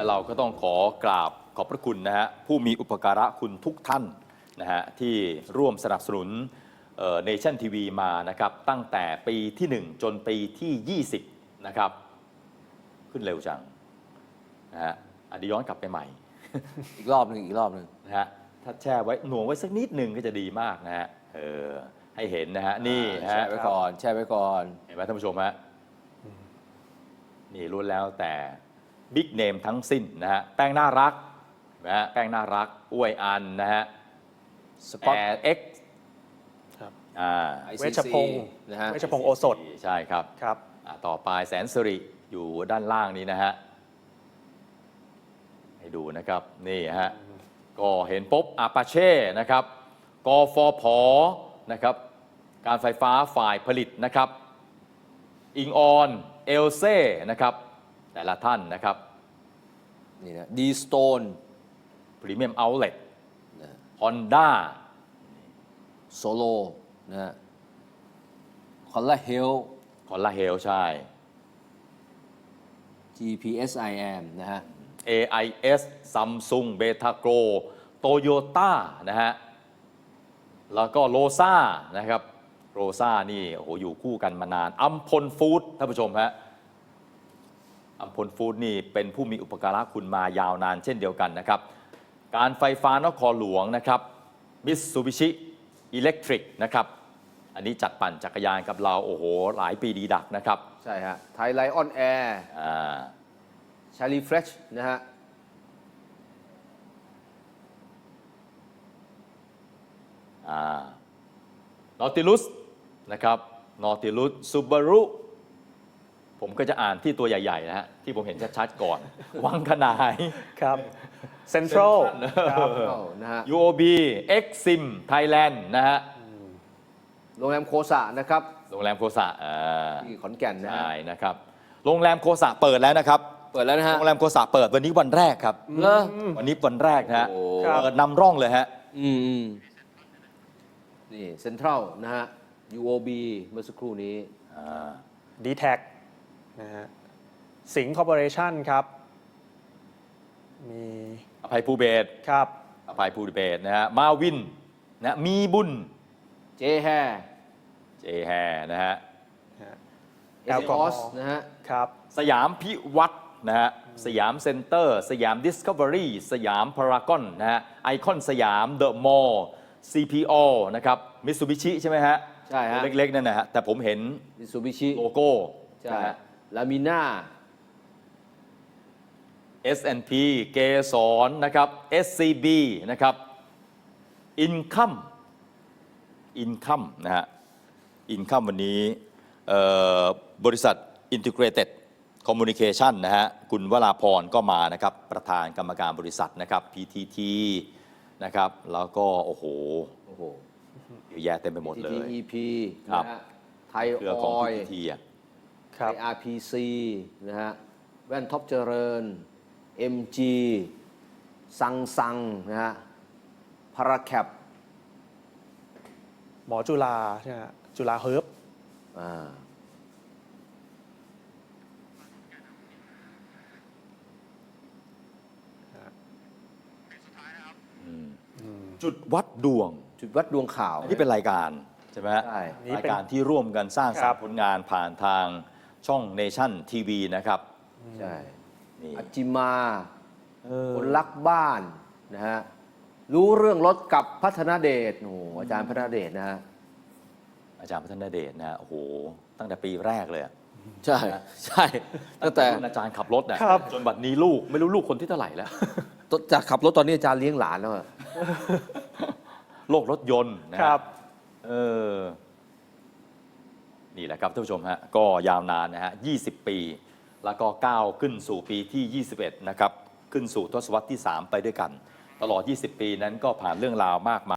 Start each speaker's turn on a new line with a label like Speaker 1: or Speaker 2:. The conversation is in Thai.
Speaker 1: และเราก็ต้องขอกราบขอบพระคุณนะฮะผู้มีอุปการะคุณทุกท่านนะฮะที่ร่วมสนับสนุนเนชั่นทีวีมานะครับตั้งแต่ปีที่ 1 จนปีที่ 20 นะครับขึ้นเร็วจังนะฮะอดีย้อนกลับไปใหม่
Speaker 2: อีกรอบหนึ่ง
Speaker 1: นะฮะถ้าแช่ไว้หน่วงไว้สักนิดหนึ่งก็จะดีมากนะฮะให้เห็นนะฮะนี่ฮะ
Speaker 2: แช่ไว้ก่อนเ
Speaker 1: ห็นไหมท่านผู้ชมฮะนี่ล้วนแล้วแต่บิ๊กเนมทั้งสิ้นนะฮะแป้งน่ารักนะฮะแป้งน่ารักอวยอันนะฮะ
Speaker 2: สกอต
Speaker 1: เอ็กซ์
Speaker 3: เวชพงศ์
Speaker 2: นะฮะ
Speaker 3: เวชพงศ์โอสถ
Speaker 1: ใช่ครับ
Speaker 3: ครับ
Speaker 1: ต่อไปแสนสิริอยู่ด้านล่างนี้นะฮะให้ดูนะครับนี่ฮะก็เห็นปุ๊บอาปาเช่นะครับกฟผนะครับการไฟฟ้าฝ่ายผลิตนะครับอิงออนเอลเซ่นะครับแต่ละท่านนะครับ
Speaker 2: นี่นะดีสโตน
Speaker 1: พรีเมียมเอาท์เล็ตฮอนด้า
Speaker 2: โซโลนะฮะคอลลาเฮล
Speaker 1: ใช่
Speaker 2: GPSIM นะฮะ
Speaker 1: AIS Samsung Betagro Toyota นะฮะแล้วก็โลซ่านะครับโรซ่านี่โอ้โหอยู่คู่กันมานานอัมพลฟู้ดท่านผู้ชมฮะอัมพลฟู้ดนี่เป็นผู้มีอุปการะคุณมายาวนานเช่นเดียวกันนะครับการไฟฟ้านครหลวงนะครับมิตซูบิชิอิเล็กทริกนะครับอันนี้จัดปั่นจักรยานกับเราโอ้โหหลายปีดีดักนะครับ
Speaker 2: ใช่ฮะไทยไลออนแอร์ชาลีเฟรชนะฮะ
Speaker 1: นอติลุสนะครับนอติลุสซูบารุผมก็จะอ่านที่ตัวใหญ่ๆนะฮะที่ผมเห็นชัดๆก่อน วังขนาย
Speaker 3: ครับเซ็นทรัล
Speaker 2: นะฮะ
Speaker 1: UOB Exim Thailand นะฮะ
Speaker 2: โรงแรมโคสะนะครับ
Speaker 1: โรงแรมโคสะ
Speaker 2: ที่ขอนแก่นนะ
Speaker 1: ใช่นะครับโรงแรมโคสะเปิดแล้วนะครับ
Speaker 2: เปิดแล้วนะฮะ
Speaker 1: โรงแรมโคสะเปิดวันนี้วันแรกครับวันนี้วันแรกนะฮะเปิดนำร่องเลยฮะ
Speaker 2: นี่เซ็นทรัลนะฮะ UOB เมื่อสักครู่นี้
Speaker 3: ดีแท็กนะฮะสิงห์คอร์ปอเรชั่นครับมี
Speaker 1: อภัยภูเบศ
Speaker 3: ครับ
Speaker 1: อภัยภูเบศนะฮะมาวินนะมีบุญ
Speaker 2: เจแฮ
Speaker 1: นะฮะ
Speaker 2: แอลกอสนะฮะ
Speaker 3: ครับ
Speaker 1: สยามพิวัตรนะฮะสยามเซ็นเตอร์สยามดิสคัฟเวอรี่สยามพารากอนนะฮะไอคอนสยามเดอะมอลล์ CPO นะครับมิตซูบิชิใช่ไหมฮะ
Speaker 2: ใช่ฮะ
Speaker 1: เล็กๆนั่นนะฮะแต่ผมเห็น
Speaker 2: มิตซูบิชิ
Speaker 1: โลโก้
Speaker 2: ใช่ลามิน่า
Speaker 1: S&P เกสรนะครับ SCB นะครับอินคัมนะฮะอินคัมวันนี้บริษัท Integrated Communication นะฮะคุณวราพรก็มานะครับประธานกรรมการบริษัทนะครับ PTT นะครับแล้วก็โอ้โหเยอะแยะเต็มไปหมดเลย
Speaker 2: PTTEP
Speaker 1: ครับ
Speaker 2: ไทยออยล์ไทย RPC นะฮะแว่นท็อปเจริญ MG ซังนะฮะพาราแคป
Speaker 3: หมอจุฬาใช่ไหมจุฬาเฮิร์บ
Speaker 1: จุดวัดดวง
Speaker 2: ข่าว
Speaker 1: นี่เป็นรายการใช่ไหมรายการที่ร่วมกันสร้างสรรค์ผลงานผ่านทางช่องเนชั่นทีวีนะครับ
Speaker 2: ใช่อัจจิมาคนรักบ้านนะฮะรู้เรื่องรถกับพัฒนาเดชโอ้อาจารย์พัฒนาเดชนะฮะ
Speaker 1: อาจารย์พัฒนาเดชนะโอ้โหตั้งแต่ปีแรกเลย
Speaker 2: ใช่ตั้งแต่
Speaker 1: อาจารย์ขับรถนะจนบัดนี้ลูกไม่รู้ลูกคนที่เท่าไหร่แล้ว
Speaker 2: จากขับรถตอนนี้อาจารย์เลี้ยงหลานแล้ว
Speaker 1: โลกรถยนต์นะครับนี่แหละครับท่านผู้ชมฮะก็ยาวนานนะฮะ20 ปีแล้วก็ก้าวขึ้นสู่ปีที่21นะครับขึ้นสู่ทศวรรษที่3ไปด้วยกันตลอด20 ปีนั้นก็ผ่านเรื่องราวมากมาย